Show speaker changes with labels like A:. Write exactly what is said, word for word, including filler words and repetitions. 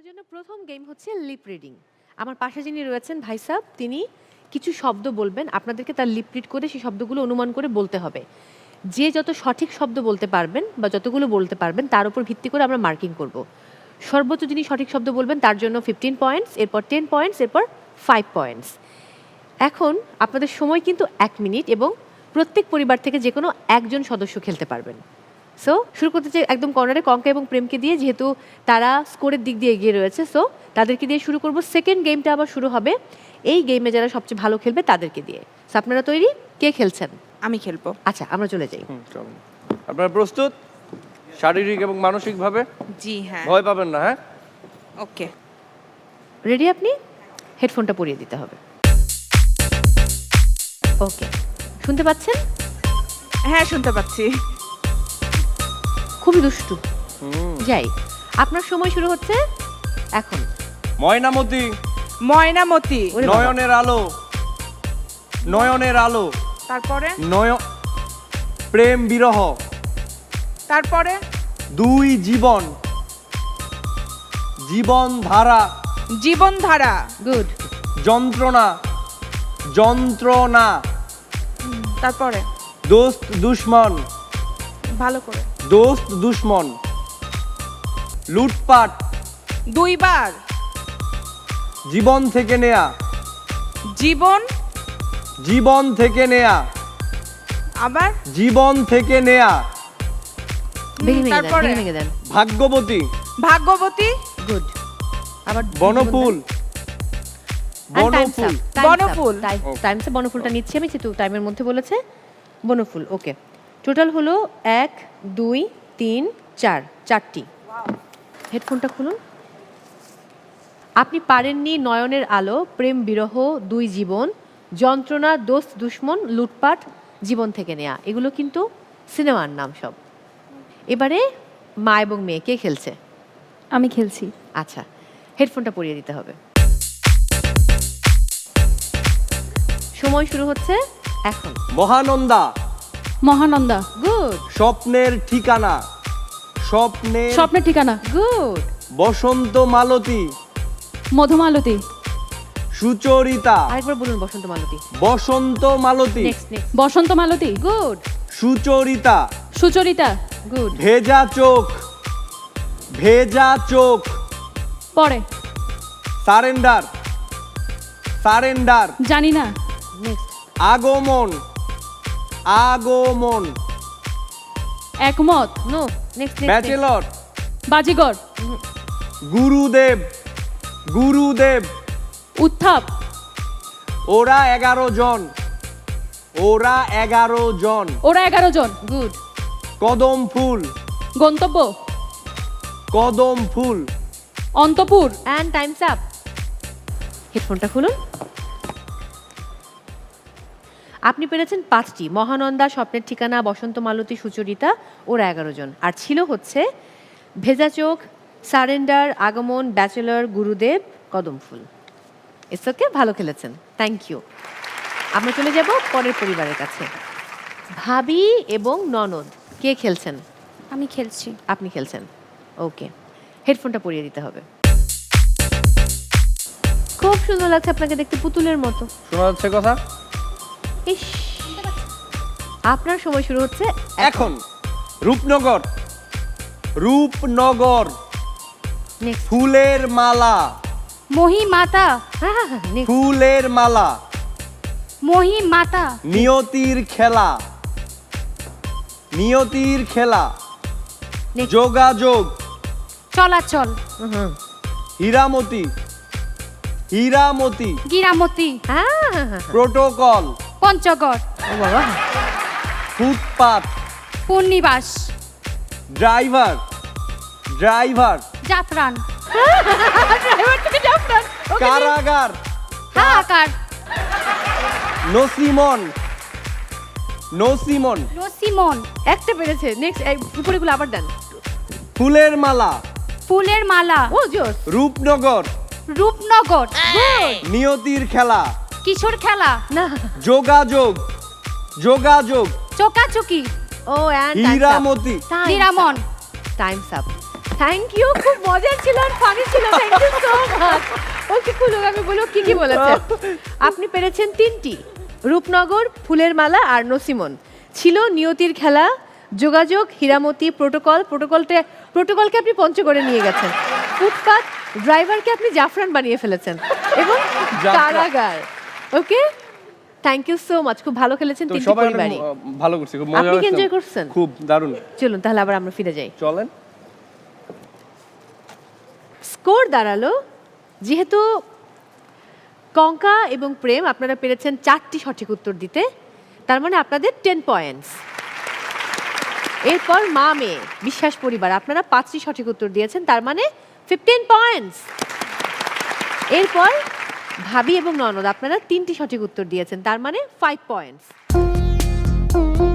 A: জন্য প্রথম গেম হচ্ছে লিপ রিডিং। আমার পাশে যিনি রয়েছেন ভাই সাহেব, তিনি কিছু শব্দ বলবেন, আপনাদেরকে তার লিপ রিড করে সেই শব্দগুলো অনুমান করে বলতে হবে। যে যত সঠিক শব্দ বলতে পারবেন বা যতগুলো বলতে পারবেন তার উপর ভিত্তি করে আমরা মার্কিং করব। সর্বোচ্চ যিনি সঠিক শব্দ বলবেন তার জন্য ফিফটিন পয়েন্টস, এরপর টেন পয়েন্টস, এরপর ফাইভ পয়েন্টস। এখন আপনাদের সময় কিন্তু এক মিনিট এবং প্রত্যেক পরিবার থেকে যে কোনো একজন সদস্য খেলতে পারবেন। সো শুরু করতে চাই একদম কর্নারে কঙ্কা এবং প্রেমকে দিয়ে, যেহেতু তারা স্কোরের দিক দিয়ে এগিয়ে রয়েছে। সো তাদেরকে দিয়ে শুরু করব। সেকেন্ড গেমটা আবার শুরু হবে এই গেমে যারা সবচেয়ে ভালো খেলবে তাদেরকে দিয়ে। সো আপনারা তৈরি? কে খেলছেন?
B: আমি খেলবো।
A: আচ্ছা, আমরা চলে যাই।
C: হুম, চলুন। আপনারা প্রস্তুত শারীরিক এবং মানসিকভাবে?
B: জি হ্যাঁ।
C: ভয় পাবেন না, হ্যাঁ?
B: ওকে।
A: রেডি? আপনি হেডফোনটা পরিয়ে দিতে হবে। ওকে, শুনতে পাচ্ছেন?
B: হ্যাঁ শুনতে পাচ্ছি।
A: খুবই দুষ্টু।
C: হুম।
A: যাই, আপনার সময় শুরু হচ্ছে এখন।
C: ময়নামতি,
B: ময়নামতি।
A: ওরে বাবা।
C: নয়নের আলো, নয়নের আলো,
B: তারপরে
C: নয় প্রেম বিরহ,
B: তারপরে
C: দুই জীবন, জীবন ধারা,
B: জীবনধারা।
A: গুড।
C: যন্ত্রণা, যন্ত্রণা,
B: তারপরে
C: দোস্ত দুশ্মন,
B: ভালো করে।
C: দোস্ত দুশ্মন, লুটপাট,
B: দুইবার
C: জীবন থেকে নেয়া,
B: জীবন,
C: জীবন থেকে নেয়া,
B: আবার
C: জীবন থেকে নেয়া,
A: ভেঙে ভেঙে দেন,
B: তারপরে?
A: ভেঙে ভেঙে দেন।
C: ভাগ্যবতী,
B: ভাগ্যবতী,
A: গুড। আবার
C: বনফুল,
A: বনফুল।
C: বনফুল,
B: বনফুল।
A: টাইমসে বনফুলটা নিচ্ছি আমি, যেহেতু টাইমের মধ্যে বলেছে বনফুল। ওকে, টোটাল হলো এক, দুই, তিন, চার, চারটি। হেডফোনটা খুলুন। আপনি পারেননি নয়নের আলো, প্রেম বিরহ, দুই জীবন, যন্ত্রণা, দোস্ত দুশ্মন, লুটপাট, জীবন থেকে নেয়া। এগুলো কিন্তু সিনেমার নাম সব। এবারে মা এবং মেয়ে কে খেলছে?
D: আমি খেলছি।
A: আচ্ছা, হেডফোনটা পরিয়ে দিতে হবে। সময় শুরু হচ্ছে এখন।
C: মহানন্দা,
D: মহানন্দা।
A: গুড
C: স্বপ্নের ঠিকানা, স্বপ্নের
D: স্বপ্নের ঠিকানা।
A: গুড।
C: বসন্ত মালতী,
D: মধুমালতী।
C: সুচরিতা,
A: আরেকবার বলুন বসন্ত মালতী।
C: বসন্ত মালতী,
A: নেক্সট নেক্সট।
D: বসন্ত মালতী।
A: গুড
C: সুচরিতা,
D: সুচরিতা।
A: গুড।
C: ভেজা চোখ, ভেজা চোখ,
D: পরে
C: সারেন্ডার, সারেন্ডার,
D: জানি না।
A: নেক্সট।
C: আগমন, আগমন,
D: একমত।
A: No next next.
C: Bachelor,
D: Baazigar.
C: গুরুদেব, গুরুদেব,
D: উত্থাপ।
C: ওরা এগারো জন, ওরা এগারো জন,
D: ওরা এগারো জন।
A: গুড।
C: কদম ফুল,
D: গন্তব্য
C: কদম ফুল,
D: অন্তপুর।
A: And time's up. হেডফোনটা খুলুন। আপনি পেরেছেন পাঁচটি। মহানন্দা, স্বপ্নের ঠিকানা, বসন্ত মালতী, সুচরিতা, ওরা এগারো জন। আর ছিল হচ্ছে ভেজা চোখ, সারেন্ডার, আগমন, ব্যাচেলর, গুরুদেব, কদম ফুল। ইটস ওকে, ভালো খেলেছেন, থ্যাংক ইউ। আমরা চলে যাব পরের পরিবারের কাছে। ভাবি এবং ননদ কে খেলছেন?
D: আমি খেলছি।
A: আপনি খেলছেন। ওকে, হেডফোনটা পরিয়ে দিতে হবে। খুব সুন্দর লাগছে আপনাকে দেখতে, পুতুলের মতো।
C: শোনা যাচ্ছে কথা?
A: ইস, আপনার সময় শুরু হচ্ছে
C: এখন রূপনগর, রূপনগর,
A: নেক্সট।
C: ফুলের মালা,
D: মহিমাতা।
A: হ্যাঁ হ্যাঁ হ্যাঁ, নেক্সট।
C: ফুলের মালা,
D: মহিমাতা।
C: নিয়তির খেলা, নিয়তির খেলা,
A: Next.
C: যোগাযোগ,
D: চলাচল।
A: হুম।
C: হীরামতি, হীরামতি,
D: গিরামতি।
A: হ্যাঁ হ্যাঁ হ্যাঁ।
C: প্রোটোকল,
D: পঞ্চগড়।
A: ও বাবা।
C: ফুটপাত,
D: পূর্ণিবাস।
C: ড্রাইভার, ড্রাইভার,
D: জাফরান।
C: কারাগার,
D: হাহাকার।
C: নসিমন, নসিমন,
D: নসিমন।
A: একটা পেরেছে। নেক্সট, উপরেগুলো আবার দেন।
C: ফুলের মালা,
D: ফুলের মালা।
A: ও জোস।
C: রূপনগর,
D: রূপনগর।
C: নিয়তির খেলা,
D: কিশোর খেলা।
A: না।
C: যোগাযোগ, যোগাযোগ,
D: চোকাচুকি।
A: ও অ্যান্ড
C: হীরামতি,
D: নিরামন।
A: Time's up. থ্যাংক ইউ, খুব মজার ছিল আর ফানি ছিল, thank you so much. Okay কুলু, আমি বলো কি কি বলেছেন। আপনি পেরেছেন তিনটি, রূপনগর, ফুলের মালা আর নসিমন। ছিল নিয়তির খেলা, যোগাযোগ, হীরামতি, প্রোটোকল। প্রোটোকলটা প্রোটোকলকে আপনি পঞ্চগড়ে নিয়ে গেছেন। ফুটপাত, ড্রাইভারকে আপনি জাফরান বানিয়ে ফেলেছেন, এবং কারাগার। Okay, thank you so much, খুব ভালো খেলেছেন
C: তো
A: তিনটি
C: সবাই অনেক
A: পরিবারই।
C: ভালো করছে, খুব মজা
A: আপনি কি
C: হয়েছে।
A: enjoy করছেন?
C: খুব দারুণ।
A: চলুন তাহলে আবার আমরা ফিরে যাই।
C: চলেন।
A: স্কোর দাঁড়ালো, যেহেতু কঙ্কা এবং প্রেম আপনারা পেরেছেন চারটি সঠিক উত্তর দিতে, তার মানে আপনাদের টেন পয়েন্টস। এরপর মা মেয়ে বিশ্বাস পরিবার, আপনারা পাঁচটি সঠিক উত্তর দিয়েছেন, তার মানে ফিফটিন পয়েন্টস। এরপর ভাবি এবং ননদ, আপনারা তিনটি সঠিক উত্তর দিয়েছেন, তার মানে ফাইভ পয়েন্টস।